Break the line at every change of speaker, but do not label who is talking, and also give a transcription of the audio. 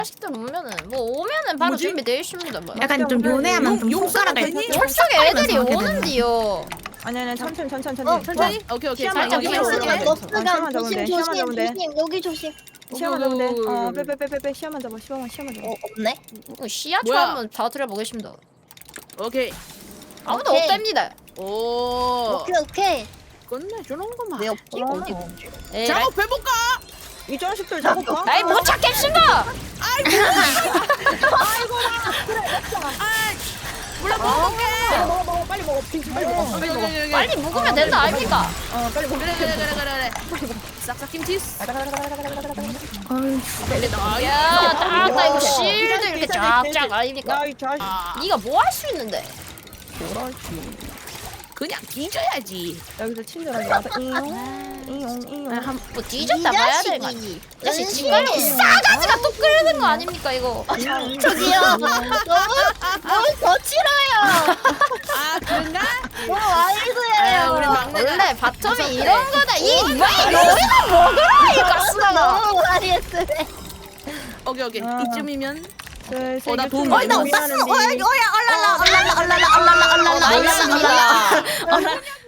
식들 오면은 뭐 오면은 바로
뭐지?
준비되어 있습니다. 뭐.
약간 좀 요네하면 좀
용
손가락을
되니?
철석에 애들이 오는디요.
아니 천천히.
천천히. 오케이.
시야만
살짝
잡으면
밀어서
돼.
가야 돼.
시야만
머스감
잡으면 돼.
조심
시야만 잡으면 돼.
조심 여기 조심.
시야만 잡으면 돼.
오.
빼. 시야만 잡아. 시야만 잡아.
없네.
시야초
뭐야?
한번 다 드려보겠습니다.
오케이.
아무도
오케이.
없답니다.
오.
오케이.
끝내주는구만.
왜 없지? 어디?
에이,
작업해볼까?
이 자식들 잡을까?
나이 못 찾겠습니다.
몰라 먹어볼게.
먹어. 빨리 먹어. 빨리 먹어.
빨리 묵으면 된다 아닙니까?
빨리 먹어.
그래. 싹싹 김치.
야, 딱 이거 실드 이렇게 쫙쫙 아닙니까?
야이 자식.
네가 뭐 할 수 있는데?
그냥 뒤져야지.
여기서 친절하게 와서 이용.
뭐 뒤졌다 봐야 되는 거 아니야? 이 자식 집 가려고 싸가지가 또 끓는 거 아닙니까 이거?
저기요. 너무 거칠어요.
아 그런가?
너무 와이드예요.
우리 막내가
원래 바텀이 이런 거다. 이 여기다 먹으라 이 가스가.
너무 와이드.
오케이.
이쯤이면
나 도움
많이
많이
받았어.
나이스입니다.